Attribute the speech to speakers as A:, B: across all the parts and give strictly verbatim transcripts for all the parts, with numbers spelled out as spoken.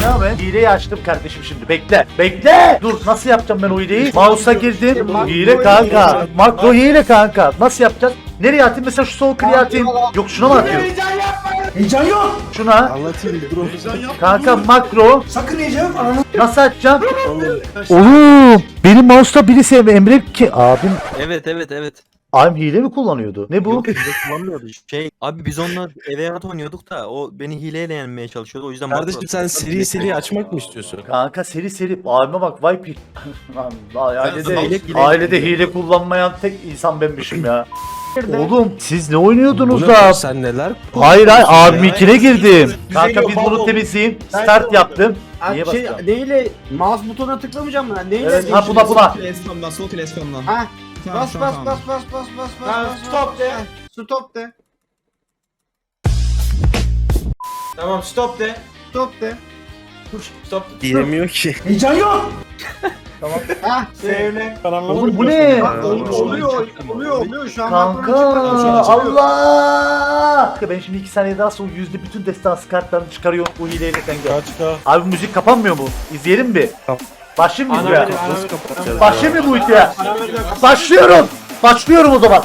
A: ya ben. Hileyi açtım kardeşim şimdi. Bekle. Bekle. Dur nasıl yapacağım ben o hileyi? Mouse'a girdim. Hile kanka. Makro hile kanka. Nasıl yapacağız? Nereye atayım? Mesela şu sol kliğe atayım. Yok şuna mı atıyorum?
B: Heyecan yok.
A: Şuna.
C: Anlatayım dur.
A: Kanka makro.
B: Sakın heyecan yok. Ananı.
A: Nasıl açacağım? Oğlum. Benim mouse'ta birisi Emre ki. Abim.
D: Evet evet evet.
A: Abim hile mi kullanıyordu? Ne bu?
D: Yok biz de kullanmıyordu. Şey abi biz onunla eve at oynuyorduk da o beni hileyle yenmeye çalışıyordu o yüzden
C: Kardeşim sen seri seri açmak mı istiyorsun?
A: Kanka seri seri. Abime bak vay pi. Lan, ailede,
D: hile- hile-
A: ailede hile kullanmayan tek insan benmişim ya. Oğlum siz ne oynuyordunuz
C: Bu
A: da?
C: ne? Sen neler?
A: Hayır hayır abim ikine girdim. Kanka
B: geliyor,
A: biz bunu
B: baba.
A: temizleyeyim.
B: Ben
A: Start
B: de-
A: yaptım. Niye
B: Şey,
A: basacağım?
B: neyle mouse butonuna tıklamayacağım mı? Neyle?
A: Evet, ha buna buna.
E: Eskamdan, sol kil eskamdan.
B: Ha.
E: Tamam,
B: Bas
E: tamam,
B: bas
E: tamam.
B: bas bas bas bas bas.
F: Tamam,
B: bas,
F: stop
B: bas.
F: de.
B: Ha, Stop de.
F: Tamam stop de.
B: Stop de.
F: Stop.
C: Diyemiyor ki.
B: Heyecan yok. Ha, sevle.
A: Oğlum bu ne?
B: Bak oluyor oluyor oluyor oluyor şu an.
A: Kanka Allah! Ben şimdi iki saniye daha sonra yüzde bütün destansı kartlarını çıkarıyorum bu hileyle kanka.
C: Kaç kaç.
A: Abi müzik kapanmıyor mu? İzleyelim mi?
C: Tamam.
A: Başlayayım mı
F: Ana
A: videoya?
F: verin, ana verin.
A: Başlayayım mı bu videoya? Başlıyorum. Başlıyorum o zaman.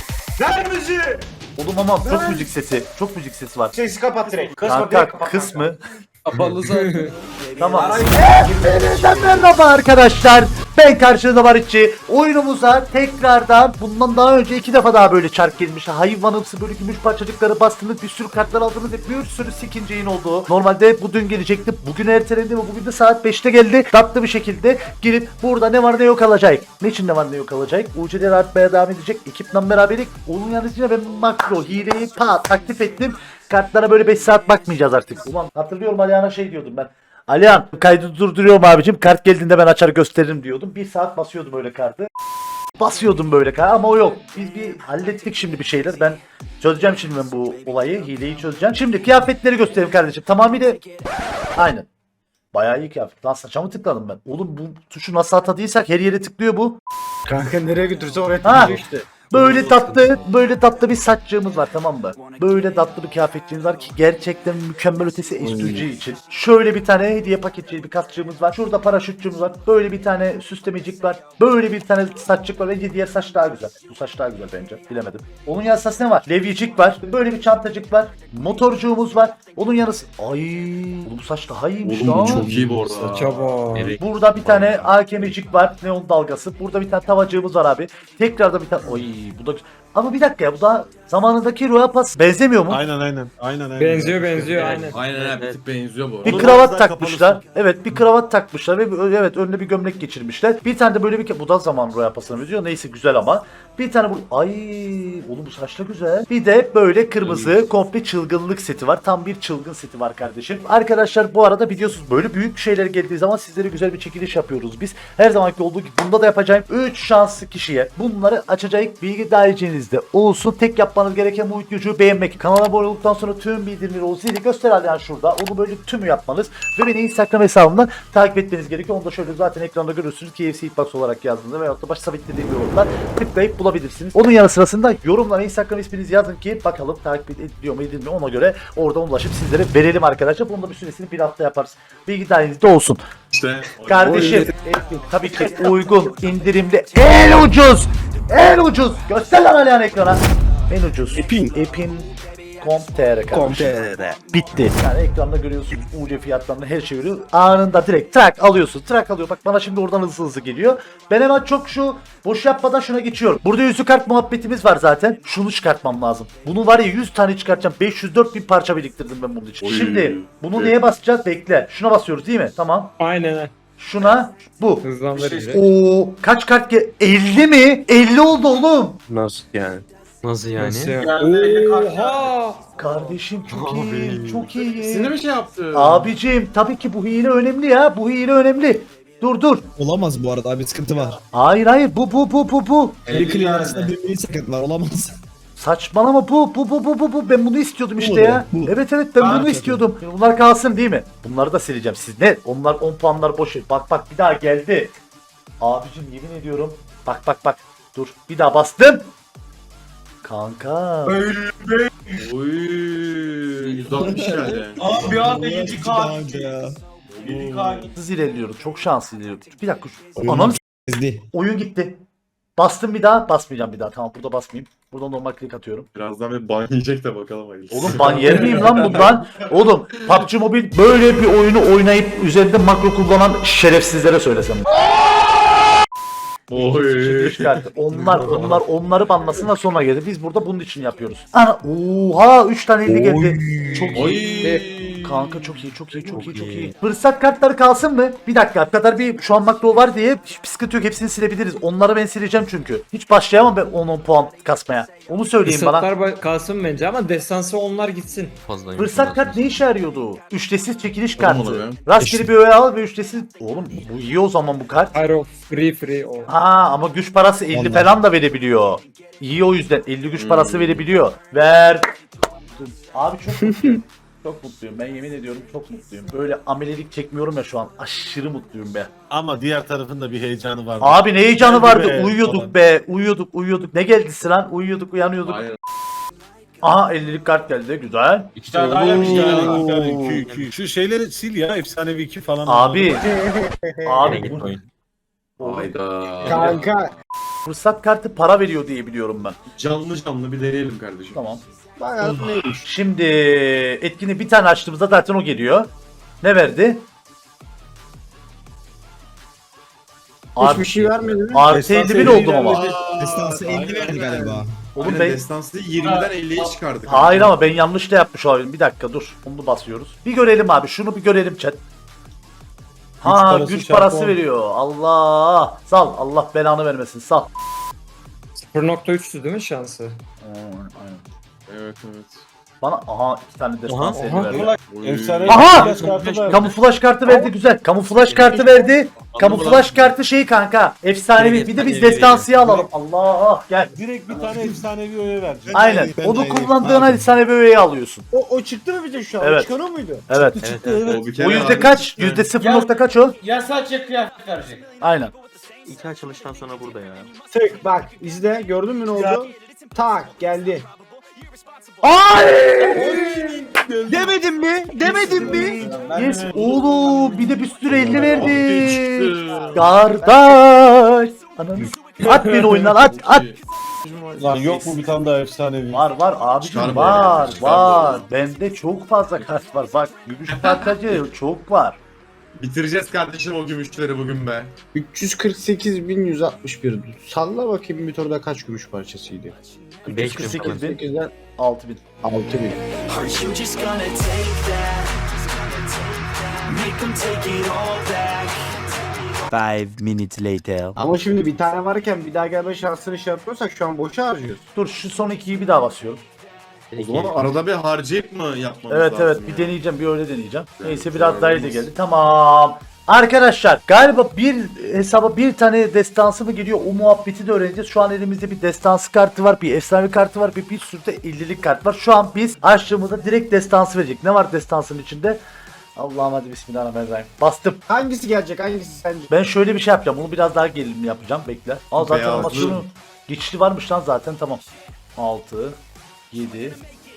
F: Ver müziği.
A: Oğlum ama çok müzik sesi. Çok müzik sesi var.
F: Sesi kapat direkt. Kısma direkt
A: Kanka
F: kapat.
A: kıs mı?
C: Kapalı zaten.
A: Tamam.
F: Arayı-
A: Hepinizden merhaba arkadaşlar. Ben karşınızda Barışçı. Oyunumuza tekrardan bundan daha önce iki defa daha böyle çark girmiş. Hayvanımsı böyle gümüş parçacıkları bastınız. Bir sürü kartlar aldınız. Hep bir sürü ikinci yayın oldu. Normalde bu dün gelecekti. Bugün ertelendi ve bugün de saat beşte geldi. Tatlı bir şekilde girip burada ne var ne yok alacak. Ne için ne var ne yok alacak? U C D'ler artmaya devam edecek. Ekiple beraberlik. Onun yanısıyla ben makro hileyi ta taktif ettim. Kartlara böyle beş saat bakmayacağız artık. Ulan hatırlıyorum Alihan'a şey diyordum ben. Alihan kaydı durduruyorum abicim. Kart geldiğinde ben açar gösteririm diyordum. Bir saat basıyordum öyle kartı. Basıyordum böyle kart ama o yok. Biz bir hallettik şimdi bir şeyler. Ben çözeceğim şimdi ben bu olayı. Hileyi çözeceğim. Şimdi kıyafetleri göstereyim kardeşim. Tamamıyla aynen. Bayağı iyi kıyafet. Lan saçma mı tıkladım ben? Oğlum bu tuşu nasıl atadıysak her yere tıklıyor bu.
B: Kanka nereye götürse oraya
A: Ha.
B: tıklayacak işte.
A: Böyle tatlı, böyle tatlı bir saççığımız var tamam mı? Böyle tatlı bir kıyafetçiğimiz var ki gerçekten mükemmel ötesi estücü için. Şöyle bir tane hediye paketçiği bir kasçığımız var. Şurada paraşütçüğümüz var. Böyle bir tane süslemecik var. Böyle bir tane saççık var. Bence diğer saç daha güzel. Bu saç daha güzel bence. Bilemedim. Onun yanısı ne var? Levyicik var. Böyle bir çantacık var. Motorcuğumuz var. Onun yanısı... Ay, oğlum bu saç daha iyiymiş lan.
G: iyi bu arada.
C: Çaba.
A: Burada bir tane A K M'cik var. Neon dalgası. Burada bir tane tavacığımız var abi. Tekrarda bir tane... Oy bu da... Ama bir dakika ya bu da zamanındaki Royal Pass benzemiyor mu?
C: Aynen aynen. Aynen aynen.
E: Benziyor benziyor aynen.
G: Aynen abi bir tık benziyor bu.
A: Bir
G: arada.
A: kravat takmışlar. Evet bir kravat takmışlar ve bir- evet önüne bir gömlek geçirmişler. Bir tane de böyle bir... Bu da zaman Royal Pass'ına benziyor. Neyse güzel ama. Bir tane bu... Ay oğlum bu saçla güzel. Bir de böyle kırmızı komple çılgınlık seti var. Tam bir çılgın seti var kardeşim. Arkadaşlar bu arada biliyorsunuz böyle büyük şeyler geldiği zaman sizlere güzel bir çekiliş yapıyoruz biz. Her zamanki olduğu gibi bunda da yapacağım. üç şanslı kişiye bunları açacak bilgi dahilinizde olsun. Tek yapmanız gereken bu videoyu beğenmek. Kanala abone olduktan sonra tüm bildirimleri o zili göster yani şurada. Onu böyle tümü yapmanız ve beni Instagram hesabımdan takip etmeniz gerekiyor. Onu da şöyle zaten ekranda görürsünüz. K F C Hitbox olarak yazdığında veyahut da baş sabitlediğim yorumlar tıklayıp bulabilirsiniz. Onun yanı sırasında yorumlara Instagram isminizi yazın ki bakalım takip ediliyor mu edilmiyor ona göre oradan ulaşıp sizlere verelim arkadaşlar. Bunun da bir süresini bir hafta yaparız. Bilgi dahilinizde olsun.
G: İşte.
A: Kardeşim tabii ki uygun indirimli en ucuz en ucuz göster lan Alihan ekrana en ucuz
C: Epin.
A: Epin Com.tr kardeşim.
C: Komple.
A: Bitti. Yani ekranda görüyorsunuz U C fiyatlarını her şey görüyor. Anında direkt track alıyorsun. Track alıyor. Bak bana şimdi oradan hızlı hızlı geliyor. Ben hemen çok şu boş yapmadan şuna geçiyorum. Burada yüzü kart muhabbetimiz var zaten. Şunu çıkartmam lazım. Bunu var ya yüz tane çıkartacağım. beş yüz dört bin parça biriktirdim ben bunun için.
G: Oy.
A: Şimdi bunu
G: Evet.
A: neye basacağız? Bekle. Şuna basıyoruz değil mi? Tamam.
E: Aynen.
A: Şuna bu.
E: Hızlandırıcı.
A: Oo kaç kart ge elli mi? elli oldu oğlum.
C: Nasıl yani?
D: Nasıl yani?
E: Oha!
A: Kardeşim çok iyi. Çok iyi.
G: Seni mi şey yaptı?
A: Abicim tabii ki bu hile önemli ya. Bu hile önemli. Dur dur.
H: Olamaz bu arada abi sıkıntı var.
A: Hayır hayır bu bu bu bu bu.
H: Bir kliğin arasında bir milli sıkıntı var olamaz.
A: Saçmalama bu bu bu bu bu bu. Ben bunu istiyordum
H: Bu
A: işte
H: mu?
A: ya.
H: Bu.
A: Evet evet ben
F: Aa,
A: bunu
F: tabii.
A: istiyordum. Bunlar kalsın değil mi? Bunları da sileceğim. Siz ne? Onlar on puanlar boş. ver. Bak bak bir daha geldi. Abicim yemin ediyorum. Bak bak bak. Dur bir daha bastım. Kanka.
G: Oy yüz altmış geldi.
F: Abi bir anda
H: Uğraştık
F: yedi
H: daha
F: kart.
H: önce ya.
F: yedi K
A: Hız ilerliyoruz. Çok şanslı ilerliyoruz. Bir dakika. Şu...
H: Oyun
A: Ananı s-
H: Ezdi.
A: oyun gitti. Bastım bir daha. Basmayacağım bir daha. Tamam burada basmayayım. Burada normal klik atıyorum.
G: Birazdan bir ban yiyecek de bakalım hayırlısı.
A: Oğlum ban yer miyim lan bundan? Oğlum P U B G Mobile böyle bir oyunu oynayıp üzerinde makro kullanan şerefsizlere söylesem.
G: Oy.
A: Çıkarttı. Onlar onlar onları banlasınlar sonra geldi. Biz burada bunun için yapıyoruz. Ana oha üç tane elli geldi. Çok
G: Oy.
A: iyi. Kanka çok iyi çok iyi çok iyi çok iyi. Fırsat kartları kalsın mı? Bir dakika kadar bir şu an makro var diye hiçbir sıkıntı yok, hepsini silebiliriz. Onları ben sileceğim çünkü. Hiç başlayamam ben on on puan kasmaya. Onu söyleyin bana.
E: Fırsatlar ba- kalsın bence ama destansı onlar gitsin.
D: Fazlaymış.
A: Fırsat kart ne işe yarıyordu? Üçlesiz çekiliş
G: Tamam
A: kartı.
G: oluyor.
A: Rastgele bir öğe al ve üçlesiz. Oğlum bu iyi o zaman bu kart.
E: Aero free free o.
A: Ha ama güç parası elli
H: Onlar.
A: falan da verebiliyor. İyi o yüzden elli güç parası
G: Hmm.
A: verebiliyor. Ver. Abi çok mutluyum. Çok mutluyum. Ben yemin ediyorum çok mutluyum. Böyle amelelik çekmiyorum ya şu an. Aşırı mutluyum be.
C: Ama diğer tarafın da bir heyecanı var.
A: Abi ne heyecanı
C: Geldi
A: vardı.
C: be,
A: Uyuyorduk
C: falan.
A: be. Uyuyorduk uyuyorduk. Ne geldi sıran? Uyuyorduk uyanıyorduk.
G: Aynen.
A: Aha ellilik kart geldi. Güzel.
F: İki tane daha gelmiş.
C: İki
F: ya.
C: tane, iki tane, iki, iki. Şu şeyleri sil ya, efsanevi iki falan.
A: Abi.
D: Abi
A: abi
D: git
A: bu
D: oyun.
G: Hayda.
B: Kanka.
A: fırsat kartı para veriyor diye biliyorum ben.
G: Canlı canlı bir deneyelim kardeşim.
A: Tamam.
B: Bayağı neymiş?
A: Şimdi etkini bir tane açtığımızda zaten o geliyor. Ne verdi?
B: Hiçbir şey vermedi mi?
A: Artı elli bin oldum ama.
H: Destansı elli verdi galiba.
A: Oğlum
G: Aynen,
A: ben...
G: destansı yirmiden elliye çıkardık.
A: Hayır ama ben yanlış da yapmış olabilirim. Bir dakika dur. Onu basıyoruz. Bir görelim abi. Şunu bir görelim chat. Ha
C: parası
A: güç
C: çarpı
A: parası
C: on.
A: veriyor. Allah. Sal. Allah belanı vermesin. Sal.
E: sıfır nokta üçtü değil mi şansı?
G: Evet evet.
A: Bana aha iki tane destans
D: Aha,
A: eli
E: aha.
A: verdi.
G: Oy.
C: Efsane
A: Aha!
C: flash kartı da.
A: Kamuflaj kartı verdi güzel. Kamuflaj kartı verdi. Kamuflaj kartı şey kanka. Efsanevi. Bir de biz destansıyı alalım. Allah gel.
C: Direkt bir tane efsanevi öğe verecek.
A: Aynen.
H: Ben
A: Onu
H: de-
A: kullandığın
H: ben-
A: efsanevi öğeyi alıyorsun.
B: O, o çıktı mı bize şu an?
A: Evet.
B: Çıkan o muydu?
A: Evet.
D: Evet, evet.
G: O bir kere
A: O yüzde
G: abi.
A: kaç? Yüzde sıfır nokta kaç o?
F: Ya sadece kıyafet verecek.
A: Aynen.
D: İki açılıştan sonra burada ya.
B: Tık bak izle gördün mü ne oldu? Tak geldi.
H: Demedim mi? Demedim mi?
A: Yes. Oğlum bir de bir sürü elli verdi. Kardeş. Ananı s- At beni oyundan at at.
C: Lan yok mu bir tane daha efsanevi?
A: Var var abicim
G: Çıkar
A: var
G: böyle, çıkar
A: var. Bende çok fazla kart var. Bak gümüş parçacı çok var.
G: Bitireceğiz kardeşim o gümüşleri bugün be.
B: üç yüz kırk sekiz bin yüz altmış bir. Salla bakayım bir turda kaç gümüş parçasıydı?
D: beş bin falan.
A: sekiz bin
B: sekizden
A: altı bin.
B: altı bin.
I: Are you just gonna take that? Make them take it all back.
J: Five minutes later.
B: Ama şimdi bir tane varken bir daha gelme şansını şey yapıyorsak şu an boşa harcıyoruz.
A: Dur şu son ikiyi bir daha basıyorum.
G: O zaman arada bir harcayıp mı yapmamız
A: Evet
G: lazım?
A: evet
G: ya?
A: bir deneyeceğim bir öyle deneyeceğim.
G: Evet,
A: Neyse biraz
G: güzel
A: daha iyi
G: olmaz.
A: geldi. Tamam. Arkadaşlar galiba bir hesaba bir tane destansı mı geliyor o muhabbeti de öğreneceğiz. Şu an elimizde bir destansı kartı var, bir efsane kartı var, bir bir sürü de ellilik kart var. Şu an biz açtığımızda direkt destansı verecek. Ne var destansın içinde? Allah'ım hadi bismillahirrahmanirrahim. Bastım.
B: Hangisi gelecek hangisi sence?
A: Ben şöyle bir şey yapacağım. Bunu biraz daha gerilim yapacağım. Bekle. Al zaten
G: Beyazlı.
A: animasyonu geçişli varmış lan zaten tamam. altı, yedi,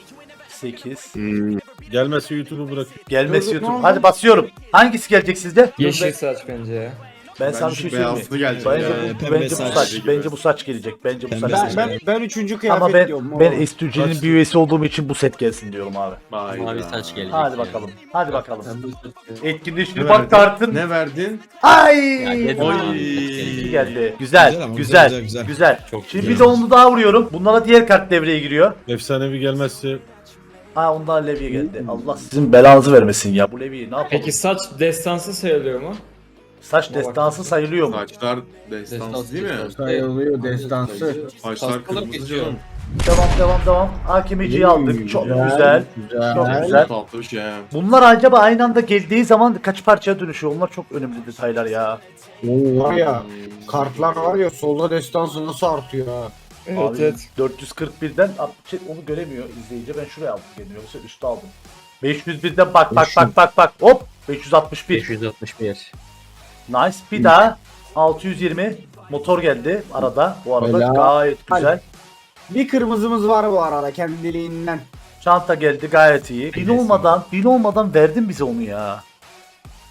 A: sekiz.
C: Gelmezse YouTube'u bırak.
A: Gelmesi
B: Dur, dur, ne
A: YouTube.
B: oldu?
A: Hadi basıyorum. Hangisi gelecek sizde?
E: Yeşil saç bence ya.
A: Ben
G: Bence
A: sana bir şey söyleyeyim mi?
G: beyazlı gelecek
A: Bence,
G: ya.
A: bu,
H: Pembe
A: bence bu
H: saç
A: saç.
G: gibi.
A: Bence bu saç gelecek. Bence bu
H: Pembe
A: saç.
H: saç.
B: Ben, ben, ben üçüncü kıyafet
A: Ama ben
B: diyorum.
A: ben
B: oğlum.
A: S two G'nin bir üyesi olduğum için bu set gelsin diyorum abi.
G: Hayda.
D: Mavi saç gelecek.
A: Hadi
D: ya.
A: bakalım. Hadi bakalım.
G: Ne
A: Etkinleştir bak
G: verdin?
A: kartın.
G: Ne verdin?
A: Ay!
D: Ya, yedim
G: Oy.
D: abi, saç
A: İyi
D: gelecek.
A: geldi. Güzel,
H: Güzel ama,
A: güzel,
H: güzel,
A: güzel,
H: güzel.
D: Çok
A: Şimdi
D: güzel.
A: bir de onu daha vuruyorum. Bunlara diğer kart devreye giriyor.
C: Efsanevi gelmezse
A: Ha ondan Levi'ye geldi. Allah sizin belanızı vermesin ya. Bu Levi'yi ne yapalım?
E: Peki saç destansı sayılıyor mu?
A: Saç destansı sayılıyor mu?
G: Saçlar destansı değil mi?
B: Sayılıyor destansı.
G: Saçlar kırmızı canım.
A: Devam devam devam. Hakimiciyi aldık. Çok güzel. Çok güzel.
G: Tatlı bir şey ha.
A: Bunlar acaba aynı anda geldiği zaman kaç parçaya dönüşüyor? Onlar çok önemli detaylar ya.
B: Oo var ya kartlar var ya solda destansı nasıl artıyor ha.
E: Evet
A: Abi,
E: evet.
A: dört yüz kırk birden şey, onu göremiyor izleyici. Ben şuraya aldım geliyor. Yoksa üstte aldım. beş yüz birden bak bak bak bak bak. Hop beş yüz altmış bir.
D: beş yüz altmış bir.
A: Nice. Bir daha altı yüz yirmi. Motor geldi arada. Bu arada
B: Helal.
A: gayet güzel.
B: Bir kırmızımız var bu arada kendiliğinden.
A: Çanta geldi gayet iyi. Bin olmadan, bin olmadan verdin bize onu ya.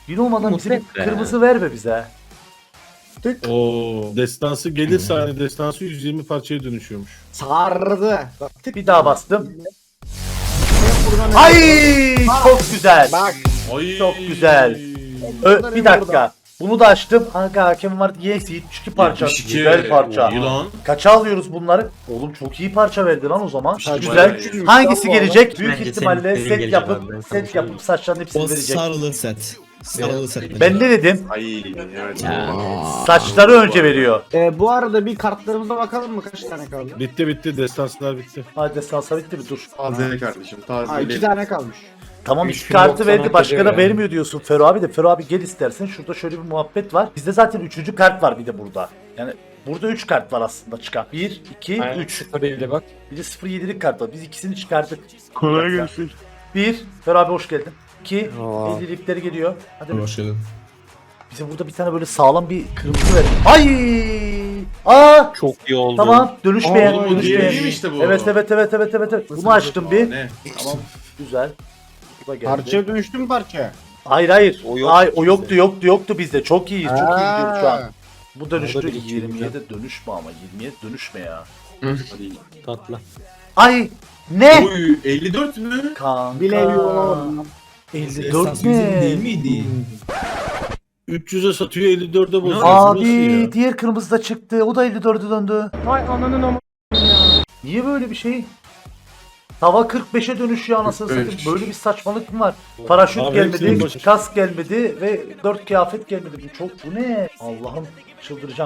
A: Bin olmadan bize bir
D: Mutlak be.
A: kırmızı verme bize.
C: Oo, destansı gelirse hani destansı yüz yirmi parçaya dönüşüyormuş.
B: Sardı. Bak, tık.
A: Bir daha bastım.
B: Buradan
A: Ay
B: öyle-
A: çok güzel.
B: Bak.
G: Ay.
A: Çok güzel. Ö, bir dakika. Bunu da açtım. Kanka hakem vardı. Yes yetmiş iki parça.
G: yetmiş iki.
A: Güzel parça.
G: Yılan.
A: Kaça alıyoruz bunları? Oğlum çok iyi parça verdi lan o zaman.
B: Saçma
A: Güzel.
G: ya.
A: Hangisi gelecek? Büyük
D: Bence
A: ihtimalle
D: senin
A: set
D: gelecek
A: yapıp
D: abi, ben sana
A: set
D: söyleyeyim.
A: yapıp saçların hepsini
H: O
A: verecek.
H: sarılı set. Sarılı set.
A: Ben ne dedim?
G: Ay evet.
A: Saçları önce veriyor.
B: Ee, bu arada bir kartlarımıza bakalım mı? Kaç tane kaldı?
C: Bitti bitti destanslar bitti.
A: Hadi salsa bitti mi? Dur.
G: Taze kardeşim taze.
B: Ha, iki tane kalmış.
A: Tamam
E: Üç
A: iki
E: bin
A: kartı
E: doksan
A: verdi
E: altı
A: başka da
E: diyor ya.
A: vermiyor diyorsun Fero abi de. Fero abi gel istersen. Şurada şöyle bir muhabbet var. Bizde zaten üçüncü kart var bir de burada. Yani burada üç kart var aslında çıkan. bir, iki,
E: Aynen,
A: üç.
E: sıfır ile bak.
A: Bir de sıfır yedilik kart var. Biz ikisini çıkardık.
J: Kolay gelsin.
A: bir. Fero abi hoş geldin. iki.
B: Aa.
A: ellilikleri geliyor. Hadi
H: Hoş geldin.
A: bize burada bir tane böyle sağlam bir kırmızı ver. Ay! Aa!
D: Çok iyi oldu.
A: Tamam dönüşmeyen,
B: Aa,
A: dönüşmeyen.
G: iyi işte bu.
A: Evet evet evet evet evet evet. Bunu açtım bir.
G: Ne?
A: Tamam. Güzel. Bu da geldi.
B: Parçaya dönüştü mü parça?
A: Hayır hayır.
D: O
A: O,
D: yok
A: Ay, o
D: bizde.
A: yoktu yoktu yoktu bizde. Çok iyiyiz. Çok iyi gidiyoruz şu an.
B: Ha.
A: Bu dönüştü.
D: O da bir iki
A: yirmiye de dönüşme ama. yirmiye dönüşme ya.
G: Hadi.
D: Tatlı.
A: Ay! Ne?
G: Oy elli dört mü?
A: Kanka.
B: Bilemiyorum.
A: elli dört
H: Esas bizim değil
A: ne?
H: miydi?
C: üç yüze satıyor elli dörde bozuyor. Nasıl
A: Abi
C: ya?
A: diğer kırmızı da çıktı. O da elli dörde döndü. Vay ananın ama ya. Niye böyle bir şey? Tava kırk beşe dönüşüyor anasını
G: kırk
A: satayım.
G: beş.
A: Böyle bir saçmalık mı var? Paraşüt
C: Abi hepsinin
A: gelmedi,
C: başı-
A: kask gelmedi ve dört kıyafet gelmedi. Bu çok bu ne? Allah'ım çıldıracağım.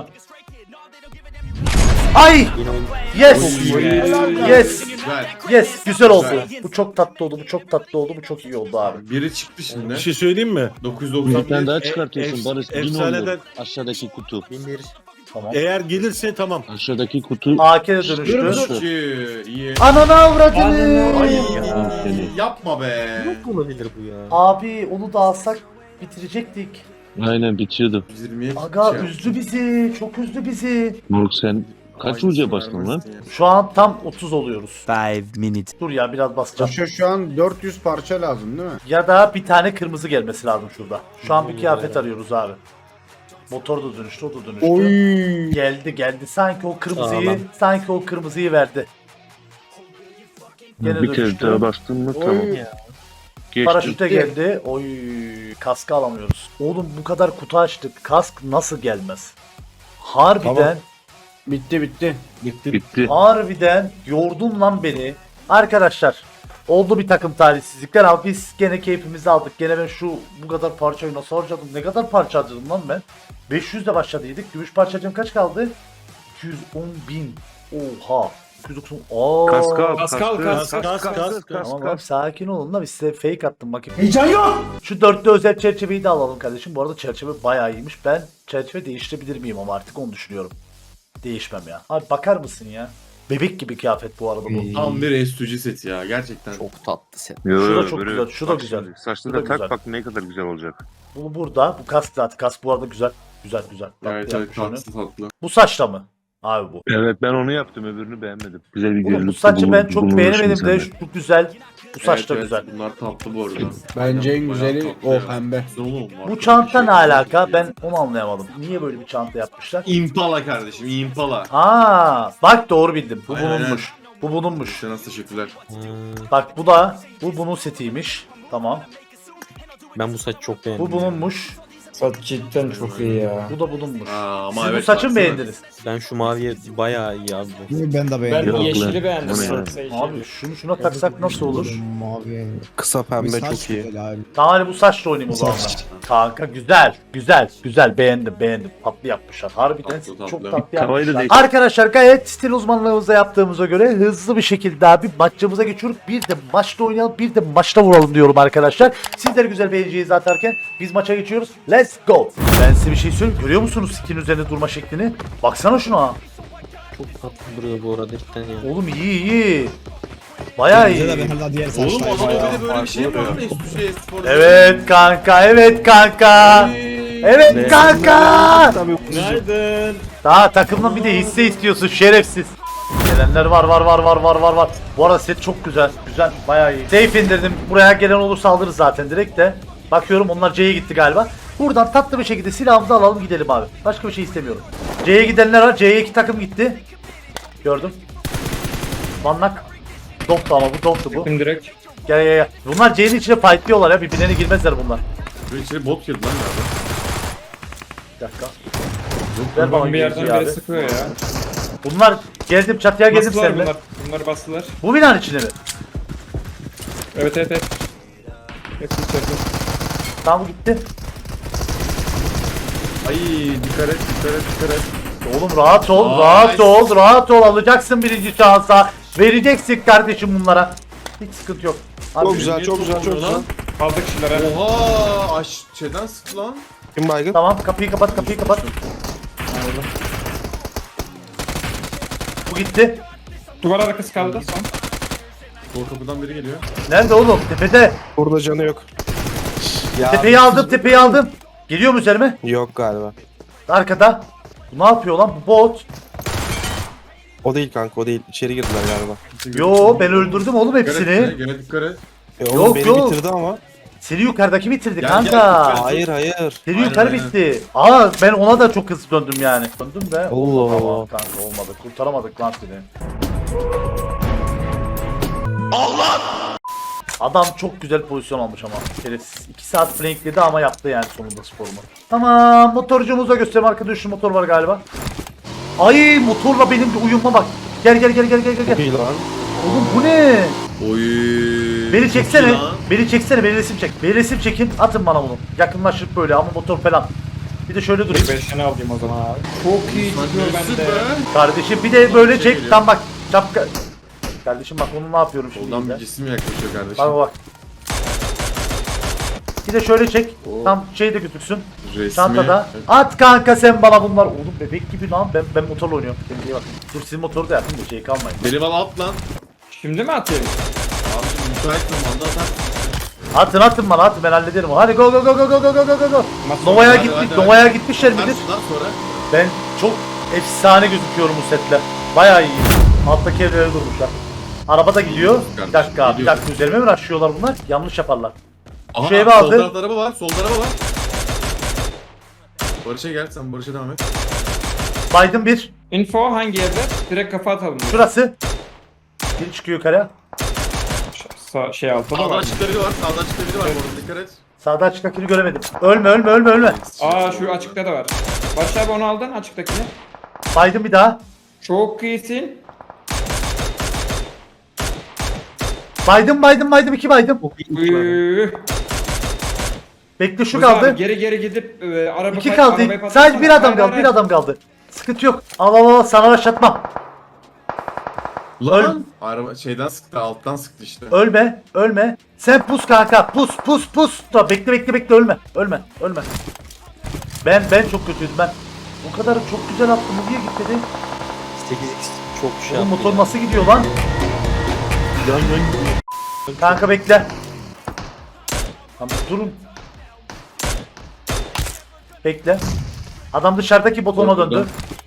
A: Ay!
D: Yine oldu.
A: Yes!
G: Oy.
A: Yes!
G: Güzel.
A: Yes! Güzel oldu.
G: Güzel.
A: Bu çok tatlı oldu. Bu çok tatlı oldu. Bu çok iyi oldu abi.
G: Biri çıktı şimdi.
C: Bir şey söyleyeyim mi?
G: dokuz yüz doksan
K: Bir tane daha
G: bir.
K: çıkartıyorsun
C: Efs-
K: Barış. Bin
C: efsaneden-
K: oluyor. Aşağıdaki kutu.
D: Bin bir.
A: Tamam.
C: Eğer gelirse tamam.
K: Aşağıdaki kutu.
A: A K de dönüştü.
G: Çok iyi. İyi.
A: Ananı avradını.
G: Ay
K: Ya, seni.
G: yapma be.
D: Nasıl olabilir bu ya?
A: Abi onu da alsak bitirecektik.
K: Aynen bitiyordu.
G: yüz yirmiye
A: Aga
G: şey
A: üzdü bizi. Çok üzdü bizi.
K: Moruk sen kaç
G: Aynısını
K: ucuya bastın lan?
G: vermezsin ya.
A: Şu an tam otuz oluyoruz.
J: Five minutes.
A: Dur ya biraz basacağım.
B: Şu, şu an dört yüz parça lazım değil mi?
A: Ya da bir tane kırmızı gelmesi lazım şurada. Şu an bir kıyafet arıyoruz abi. Motor da dönüştü, o da dönüştü.
B: Oy.
A: Geldi geldi. Sanki o kırmızıyı,
D: Sağlam.
A: sanki o kırmızıyı verdi. Gene
K: Bir kere
A: dönüştü.
K: daha bastın mı tamam.
B: Oy.
K: Geçtim.
A: Paraşüte geldi. Oy, kaskı alamıyoruz. Oğlum bu kadar kutu açtık. Kask nasıl gelmez? Harbiden,
C: Tamam.
B: Bitti bitti.
C: Bitti.
K: Bitti.
A: harbiden yordun lan beni. Arkadaşlar, oldu bir takım talihsizlikler ama biz gene keyfimizi aldık. Gene ben şu bu kadar parçayı nasıl harcadım? Ne kadar parça harcadım lan ben? beş yüz de başladıydık. Gümüş parçacığım kaç kaldı? iki yüz on bin. Oha. iki yüz doksan. Aa.
E: Pascal,
C: Kas
E: kas,
C: kas kas kas.
A: Tamam abi sakin olun da biz size fake attım bakayım. Heyecan yok. Şu dörtlü özel çerçeveyi de alalım kardeşim. Bu arada çerçeve bayağı iyiymiş. Ben çerçeve değiştirebilir miyim ama artık onu düşünüyorum. Değişmem ya. Abi bakar mısın ya? Bebek gibi kıyafet bu arada bu.
G: Tam bir S iki G set ya gerçekten.
K: Çok tatlı set.
A: Şu da çok güzel, şu da güzel.
K: Saçlı
A: Şu da
K: da tak
A: güzel.
K: bak ne kadar güzel olacak.
A: Bu burada. Bu kask zaten. Kask bu arada güzel. Güzel güzel. Tatlı
G: Evet evet
A: yapmış onu.
G: tatlı tatlı.
A: Bu saçla mı? Abi bu.
K: Evet ben onu yaptım öbürünü beğenmedim. Güzel bir
A: Oğlum bu
K: görünüşte
A: saçı ben
K: bulun-
A: çok
K: bulunmuş
A: beğenemedim de
K: insanlar.
A: şu güzel. Bu saç
G: Evet,
A: da
G: evet,
A: güzel.
G: Bunlar tatlı bu arada.
B: Bence en
G: Bayağı
B: güzeli
G: tatlı
B: o
G: ya.
B: pembe.
G: Güzel oğlum, var.
A: Bu
G: Çok
A: çanta
G: bir
A: ne
G: şey.
A: alaka? Ben onu anlayamadım. Niye böyle bir çanta yapmışlar?
G: Impala kardeşim Impala.
A: Aa, bak doğru bildim. Bu
G: Aynen,
A: bulunmuş. Bu bulunmuş.
G: Sana teşekkürler.
D: Hmm,
A: Bak bu da bu bunun setiymiş. Tamam.
D: ben bu saç çok beğendim.
A: Bu bulunmuş.
E: Saç cidden çok iyi ya.
A: Bu da bulunmuş.
G: Aa, ama
A: Siz
G: evet,
A: bu saçı mı
G: baksana.
A: beğendiniz?
D: Ben şu maviye bayağı iyi abi.
H: Ben de
E: Ben
H: beğendim.
K: Yok lan.
E: yeşili beğendim.
K: Bu ne ya?
E: Sarı
A: Abi şunu şuna taksak nasıl olur?
H: Mavi.
J: Kısa pembe
H: Saç
J: çok iyi.
H: güzel abi.
A: Tamam hadi bu saçla oynayayım o zaman.
H: Saç.
A: Kanka güzel, güzel, güzel beğendim, beğendim. Tatlı yapmışlar. Harbiden
G: Tatlı, tatlı.
A: çok tatlı
K: Tavayı da
A: yapmışlar.
K: değiştir.
A: Arkadaşlar gayet stil uzmanlığımızda yaptığımıza göre hızlı bir şekilde abi maçımıza geçiyoruz. Bir de maçta oynayalım, bir de maçta vuralım diyorum arkadaşlar. Sizler güzel beğeneceğinizi atarken biz maça geçiyoruz. Let's go. Ben size bir şey söyleyeyim. Görüyor musunuz skin üzerinde durma şeklini? Baksana şuna.
D: Çok tatlı duruyor bu arada cidden ya.
A: Oğlum iyi iyi. Bayağı
H: Bize de
A: iyi.
H: ben hala diğer
G: Oğlum
H: saçlar.
G: adamda
H: Bayağı
G: bir de böyle bir şey
H: farklı
G: var.
H: oluyor.
G: S iki G Spor.
A: Evet kanka, evet kanka. Evet kanka.
E: Günaydın.
A: Daha takımdan bir de hisse istiyorsun şerefsiz. Gelenler var var var var var var var. Bu arada set çok güzel. Güzel bayağı iyi. Safe indirdim. Buraya gelen olursa alırız zaten direkt de. Bakıyorum onlar C'ye gitti galiba. Buradan tatlı bir şekilde silahımızı alalım gidelim abi. Başka bir şey istemiyorum. C'ye gidenler var. C'ye iki takım gitti. Gördüm. Manlak. Doptu ama bu doptu bu.
E: Kim direkt?
A: Gel gel gel. Bunlar C'nin içine fightlıyorlar ya. Birbirlerine girmezler bunlar.
G: Bir içeri bot girdi lan galiba.
A: Bir dakika. Ver bana
E: Buradan bir yerden
A: girişi
E: biri
A: abi.
E: sıkıyor ya.
A: Bunlar geldim çatıya geldim
E: Bastılar
A: seninle.
E: bunlar. Bunlar bastılar.
A: Bu binanın içine mi?
E: Evet evet evet. Hepsi içeride.
A: Tamam bu gitti.
G: Ay dikkat et dikkat et dikkat et.
A: Oğlum rahat ol,
G: Nice.
A: rahat ol, rahat ol. Alacaksın birinci şansa. Vereceksin kardeşim bunlara. Hiç sıkıntı yok. Abi,
B: Çok güzel, çok güzel, çok güzel.
E: Aldık kişiler ha.
G: Oha aş şeyden sıktı lan.
B: Kim baygın?
A: Tamam kapıyı kapat, kapıyı kapat. Bu gitti.
E: Duvar arkası kaldı son.
G: Sol kapıdan biri geliyor.
A: Nerede oğlum? Tepede.
B: Burada canı yok. Ya,
A: Tepeyi aldım, tepeyi aldım. Geliyor mu üzerime?
B: Yok galiba.
A: Arkada. Bu ne yapıyor lan? Bu bot.
B: O değil kanka, o değil. İçeri girdiler galiba.
A: Yo ben öldürdüm oğlum
G: Dikkat et,
A: hepsini.
G: gene dikkat et.
B: E, oğlum
A: Yok,
B: beni
A: yok.
B: bitirdi ama.
A: Seni yukarıdaki bitirdi
G: Gel,
A: kanka.
G: gel, lütfen.
B: Hayır hayır.
A: Seni
G: Aynen,
A: yukarı
G: aynen.
A: bitti. Aa ben ona da çok hızlı döndüm yani. Döndüm de.
B: Allah
A: olmadı ama
B: Allah.
A: kanka olmadı. Kurtaramadık lan seni. Adam çok güzel pozisyon almış ama. Şerefsiz. iki saat flankledi ama yaptı yani sonunda sporunu. Tamam motorcumuza göstereyim. Arkada şu motor var galiba. Ay motorla benim bir uyumma bak. Gel gel gel gel gel gel.
B: İyi lan.
A: Oğlum bu ne?
G: Oy.
A: Beni
G: çok
A: çeksene.
G: iyi lan.
A: Beni çeksene. Beni resim çek. Beni resim çekin. Atın bana bunu. Yakınlaşıp böyle ama motor falan. Bir de şöyle durayım.
E: Bir beşini alayım o zaman abi. Çok iyi gidiyor
G: Süper.
E: bende.
A: Kardeşim bir de böyle çek.
G: geliyor.
A: Tam bak. Şapka. Kardeşim bak onu ne yapıyorum şimdi.
G: Soldan
A: de.
G: bir cisim yaklaşıyor kardeşim.
A: Bak bak. Bir de şöyle çek. Tam şey de gözüksün.
G: Resmi.
A: Çantada. At kanka sen bana bunlar. Oğlum bebek gibi lan. Ben ben motorla oynuyorum. Kendine bak. Dur sizin motoru da yapın da şey kalmayın.
G: Beni bana at lan.
E: Şimdi mi atayım?
G: Abi müsait zamanda atar.
A: Atın atın bana atın ben hallederim. Hadi go go go go go go go go go.
E: Nasıl
A: Nova'ya
G: Hadi,
A: gittik.
G: hadi, hadi.
A: Nova'ya gitmişler midir?
G: Atarsın lan sonra.
A: Ben çok efsane gözüküyorum bu setle. Bayağı iyi. Alttaki evlere durmuşlar. Araba da gidiyor. Bir dakika, bir
G: Gidiyor.
A: dakika üzerime mi rushlıyorlar bunlar? Yanlış yaparlar.
G: Aha,
A: Şu evi
G: sol
A: aldı.
G: tarafta araba var. Solda araba var. Barış'a gel sen Barış'a devam et.
A: Biden bir.
E: Info hangi yerde? Direkt kafa atalım.
A: Şurası. Biri çıkıyor yukarıya.
E: Sa şey altta da
G: Sağda
E: var.
G: açıkta biri var. Sağda açıkta biri var. Orada dikkat et.
A: Sağda açıktakini göremedim. Ölme ölme ölme ölme.
E: Aa şu açıkta da var. Barış abi onu aldın açıktakini.
A: Biden bir daha.
E: Çok iyisin.
A: Biden Biden Biden iki Biden.
E: Üüüü.
A: Bekle şu
E: Musa abi,
A: kaldı.
E: Geri geri gidip e, araba
A: İki
E: pat-
A: kaldı.
E: arabayı patlatsana.
A: Sadece bir adam
E: Hayır,
A: kaldı.
E: hayır,
A: Bir adam kaldı. Sıkıntı yok. Al al al sana başlatmam.
G: Lan. Araba şeyden sıktı. Alttan sıktı işte.
A: Ölme, ölme. Sen pus kanka, pus, pus, pus. Da bekle, bekle, bekle, ölme, ölme, ölme. Ben, ben çok kötüydüm ben. O kadar çok güzel attım, bu niye gitmedi?
D: sekiz x çok şey
A: Oğlum
D: yaptı
A: motor
D: ya.
A: nasıl gidiyor lan? Kanka bekle. Tamam durun. Bekle. Adam dışarıdaki botona döndü.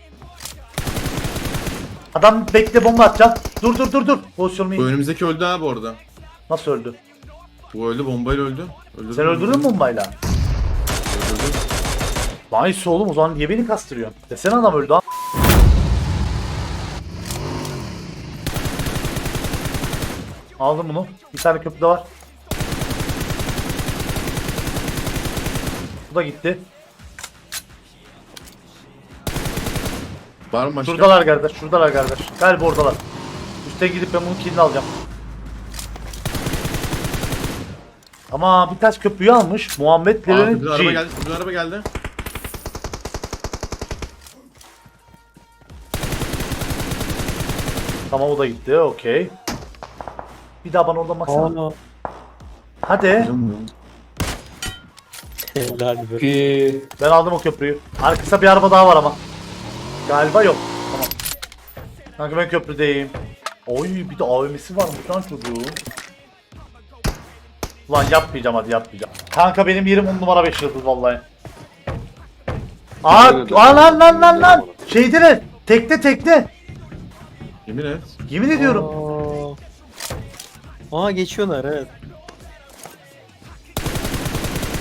A: Adam bekle bomba atacağım. Dur dur dur dur. Pozisyonumu
G: Bu
A: iyi.
G: önümüzdeki öldü ha bu arada.
A: Nasıl öldü?
G: Bu öldü bombayla öldü. Öldürdüm,
A: Sen öldürdün mü bombayla?
G: Öldürdüm.
A: Nice oğlum o zaman niye beni kastırıyorsun? Desene adam öldü ha. Aldım bunu. Bir tane köprü de var. Bu da gitti.
G: Var mı başka?
A: Şuradalar kardeş, şuradalar kardeş. Galiba oradalar. Üste gidip ben bunun killini alacağım. Ama bir taş köprüyü almış. Muhammed
G: Aa,
A: Leren'in
G: bir araba
A: G.
G: geldi. Bir araba geldi.
A: Tamam o da gitti. Okey. Bir daha bana oradan baksana.
D: Aa,
A: Hadi.
D: helal be.
E: Ki
A: Ben aldım o köprüyü. Arkasında bir araba daha var ama. Galiba yok. Tamam. Kanka ben köprüdeyim. Oy bir de A V M'si varmış lan çocuğun. Ulan yapmayacağım hadi yapmayacağım. Kanka benim yerim on numara beş yıldız vallahi. Aa, aa lan lan lan lan. Şeyde ne? Tekte tekte.
G: Yemin et.
A: Yemin ediyorum.
D: Aa, Aa geçiyorlar evet.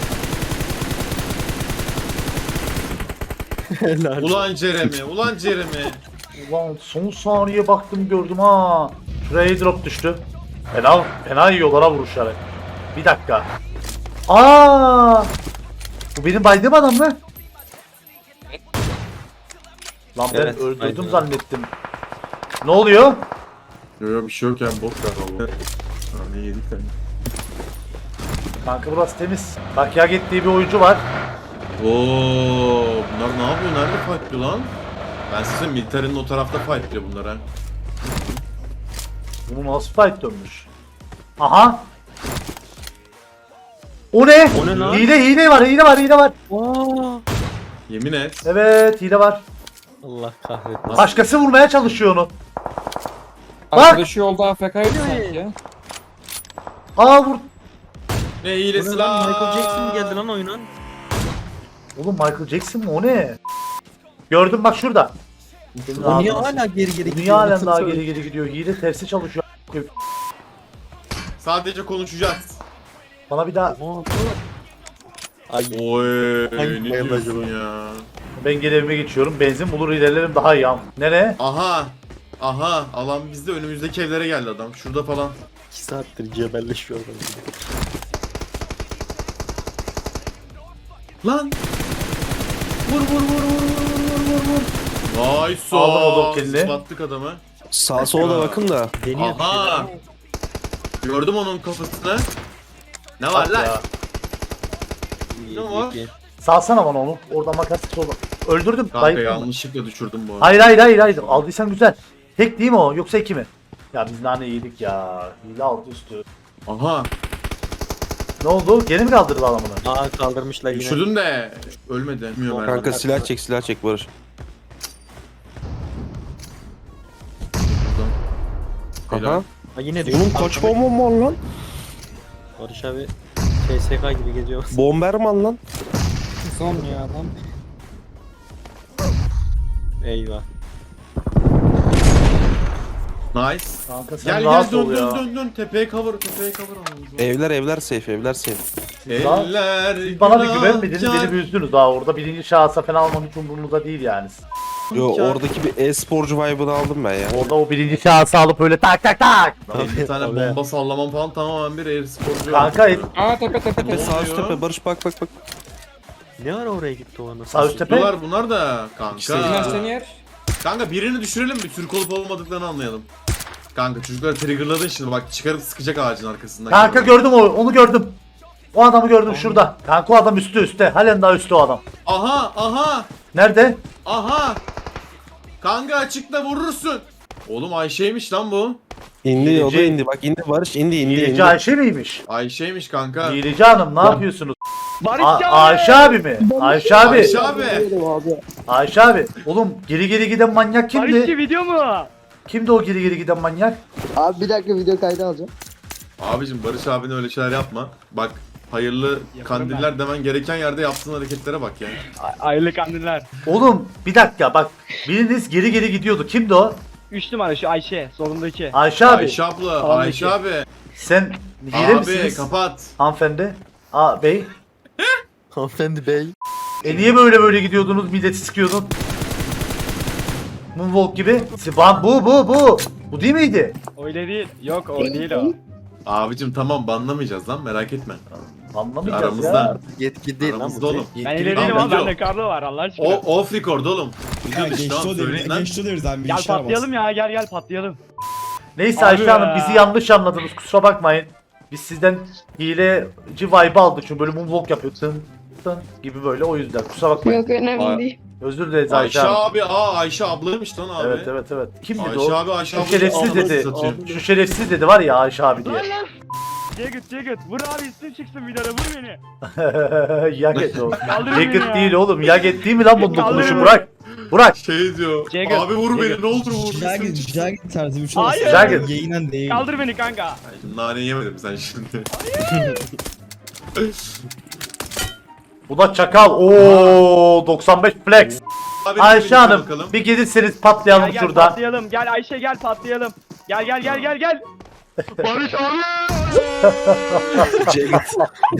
G: Ulan Jeremy, ulan Jeremy.
A: Ulan son saniye baktım gördüm ha. Şuraya drop düştü. Fena, fena yiyorlar ha vuruşları. Bir dakika. Aa! Bu benim baydığım adam mı? Lan ben
D: Evet,
A: öldürdüm
D: baydığım.
A: zannettim. Ne oluyor?
G: Yok yok bir şey yok yani bok galiba bu. Ha ne yedik lan.
A: Kanka burası temiz. Bak ya gittiği bir oyuncu var.
G: Oo, bunlar ne yapıyor? Nerede fightlıyor lan? Ben size militerinin o tarafta fightlıyor bunlar ha.
A: Bunu nasıl fight dönmüş? Aha! O ne?
D: O ne lan?
A: Hile hile var hile var hile var.
D: Aa!
G: Yemin et.
A: Evet hile var.
D: Allah kahretsin.
A: Başkası vurmaya çalışıyor onu. Bak!
E: Arkadaşı yolda A F K'ydı sanki ya.
A: Aa vur.
G: Ne
D: Bu
G: hilesi
D: ne
G: lan?
D: lan? Michael Jackson mı geldi lan oyuna?
A: Oğlum Michael Jackson mı o ne? Gördüm bak şurada.
H: O niye hala geri geri
A: Niye halen daha geri geri gidiyor? Hile tersi çalışıyor.
G: Sadece konuşacağız.
A: Bana bir daha
D: Ay.
G: Oy
D: Hangi
G: ne
D: bayılacak
G: diyorsun
D: o?
G: ya?
A: ben geri evime geçiyorum. Benzin bulur ilerlerim daha iyi. am. Nereye?
G: Aha. Aha alan bizde önümüzdeki evlere geldi adam. Şurada falan.
D: iki saattir cebelleşiyor adam.
G: Lan. Vur vur vur vur vur vur vur vur. Nice.
A: Aldım o dokkelini.
G: Battık adamı.
J: Sağa sola da bakın da.
D: Deniyor bir
G: Aha.
D: şeyler.
G: Gördüm onun kafasını. Ne var
A: Bak
G: lan?
A: ya.
D: İyi,
G: Ne var?
D: iyi, iyi.
A: Salsana bana onu. Oradan makas sola. Öldürdüm.
G: Kanka
A: Bayıldım mı?
G: yanlışlıkla düşürdüm bu arada.
A: Hayır hayır hayır hayır. Aldıysan güzel. Tek değil mi o? Yoksa iki mi? Ya biz nane yedik ya. Hile altı üstü.
G: Aha.
A: Ne oldu? Geri mi kaldırdı adamını?
D: Aa kaldırmışlar yine.
G: Düşürdüm de ölmedi. Bilmiyorum
J: Kanka
G: herhalde.
J: silah çek silah çek Barış.
G: Helal.
J: Aha.
D: Ha yine diyor.
J: Oğlum kaç bomba var lan?
D: Barış abi T S K gibi geziyor.
J: Bomberman lan.
E: Son ya adam.
D: Eyvah.
A: Kanka
G: Nice.
A: sen
G: Gel
A: rahat
G: gel
A: ol
G: dön
A: ya.
G: dön dön dön tepeye cover tepeye cover almamız lazım.
J: Evler evler safe evler safe.
A: Lan,
G: Eller
A: Siz bana bir güvenmediniz,
G: günahkar.
A: beni bir üzdünüz daha orada birinci şahısa falan almam hiç umurunuzda değil yani.
J: Yo oradaki bir e-sporcu vibe'ını aldım ben ya.
A: Orada o birinci şahısı alıp öyle tak tak tak.
G: Lan bir tane
D: Tabii.
G: bomba sallamam falan tamamen bir air sporcu.
A: Kanka
E: Aa tepe tepe
J: Tepe
E: tepe.
J: sağ üst
G: oluyor?
J: tepe Barış bak bak bak.
D: Ne ara oraya gitti o anasını?
A: sağ üst tepe.
G: Bunlar bunlar da
J: İşte
G: kanka.
E: Sinan seni yer.
G: Kanka birini düşürelim bir Türk olup olmadıklarını anlayalım. Kanka çocukları triggerladın şimdi bak çıkarıp sıkacak ağacın arkasından.
A: Kanka gördüm o, onu gördüm. O adamı gördüm şurada. Kanka o adam üstte üstte. Halen daha üstte o adam.
G: Aha aha
A: Nerede?
G: aha. Kanka açıkta vurursun. Oğlum Ayşe'ymiş lan bu.
J: İndi o da
A: Hileci-
J: indi bak indi Barış indi indi
A: Hileci
J: indi.
A: Ayşe miymiş?
G: Ayşe'ymiş kanka.
A: Hileci Hanım ne yapıyorsunuz?
F: Barış
A: A- Ayşe abi mi? Ayşe abi.
G: Ayşe abi.
A: Ayşe abi. Oğlum geri geri giden manyak kimdi?
F: video mu?
A: Kimdi o geri geri giden manyak?
B: Abi bir dakika video kaydı alacağım.
G: Abicim Barış abine öyle şeyler yapma. Bak hayırlı kandiller demen gereken yerde yaptığın hareketlere bak ya.
F: Aylık anneler.
A: Oğlum bir dakika bak. Biriniz geri geri gidiyordu. Kimdi o?
F: üç numara şu Ayşe solundaki.
A: Ayşe abi.
G: Ayşe abla,
F: Tamam,
G: Ayşe
F: peki.
G: abi.
A: Sen hile
G: Abi
A: misiniz?
G: kapat.
A: Hanımefendi. Aa bey.
D: Hanımefendi bey.
A: E niye böyle böyle gidiyordunuz? Milleti sıkıyordun. Moonwalk gibi. Siban bu bu bu. Bu değil miydi?
F: Öyle değil. Yok o değil o.
G: Abicim tamam banlamayacağız lan merak etme.
A: Anlamayacağız
G: Aramızda.
A: ya.
D: Yetki değil lan
G: Aramızda
D: bu.
G: oğlum.
F: Ben ileri değilim
G: Tamam,
F: abi
G: yok.
F: bende Carlo var Allah aşkına.
G: O off record oğlum.
H: Ya
G: Biliyorsun işte
H: geçti
G: lan
H: o devir.
G: söyleyin lan.
H: Geçti o devir zaten.
F: Gel patlayalım ya gel gel patlayalım.
A: Neyse
F: Abi
A: Ayşe
F: ya.
A: Hanım bizi yanlış anladınız. Kusura bakmayın. Biz sizden hileci vibe aldık. Çünkü böyle moonwalk yapıyor. Tın tın gibi böyle o yüzden. Kusura bakmayın.
L: Yok önemli
G: Ay-
L: değil.
A: Özür dileriz Ayşe
G: Ayşe
A: Hanım.
G: abi aa Ayşe ablaymış lan abi.
A: Evet evet evet. Kim dedi
G: Ayşe
A: o?
G: abi Ayşe
A: Şu
G: abla.
A: şerefsiz dedi.
G: Satıyor.
A: Şu şerefsiz dedi var ya Ayşe abi diye.
F: Jagged Jagged vur abi isim çıksın videoda vur beni.
A: Yaget o.
F: Kaldırın beni
A: Yaget
F: ya.
A: değil oğlum. Yaget değil mi lan bunun
F: Kaldırın
A: dokunuşu?
F: beni.
A: Burak. Burak.
G: Şey diyor.
F: Jagged,
G: Abi vur
F: Jagged.
G: beni ne olur vur.
H: Jagger, Jagger tarzı bir şey
F: Hayır.
H: olsa.
A: Jagger.
H: Yayınan değil.
F: Kaldır beni kanka.
G: Ay, şimdi nane yemedim sen şimdi.
A: Bu da çakal. Oo doksan beş flex.
G: Abi,
A: Ayşe
G: birlikte
A: Hanım
G: bakalım.
A: bir gelirseniz patlayalım
F: Gel gel
A: şurada.
F: patlayalım. Gel Ayşe gel patlayalım. Gel gel gel gel gel.
G: Barış abi.
J: Jagged.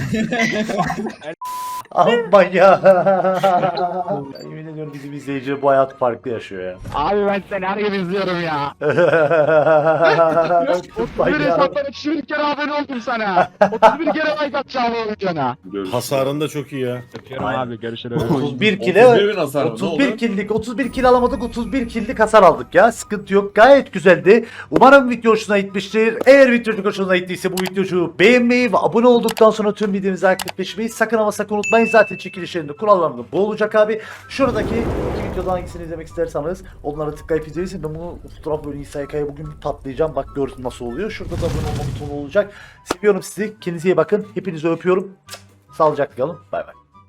A: Amma ya. Yemin ediyorum bizim izleyici bu hayat farklı yaşıyor ya.
F: Abi ben seni her gün izliyorum ya.
A: Vay
F: Bir
A: ya.
F: hesaptan iki bin kere abone oldum sana. otuz bir kere like atacağım o videona.
C: Hasarın da çok iyi ya.
F: Öpüyorum abi görüşürüz.
A: otuz bir
G: otuz
A: kilo
G: bir bin hasar mı? Ne
A: otuz bir
G: oldu?
A: killik otuz bir kill alamadık, otuz bir killik hasar aldık ya. Sıkıntı yok. Gayet güzeldi. Umarım video hoşuna gitmiştir. Eğer video hoşuna gittiyse bu videoyu beğenmeyi ve abone olduktan sonra tüm videomuzu aktifleşmeyi sakın ama sakın unutmayın. Zaten çekilişlerinde kurallarında bu olacak abi. Şuradaki iki videodan hangisini izlemek isterseniz onlara tıklayıp izleyin. Ben bunu fotoğraf böyle İsa Yaka'ya bugün bir patlayacağım. Bak görsün nasıl oluyor. Şurada da abone olma butonu olacak. Seviyorum sizi. Kendinize iyi bakın. Hepinizi öpüyorum. Sağlıcakla kalın. Bay bay.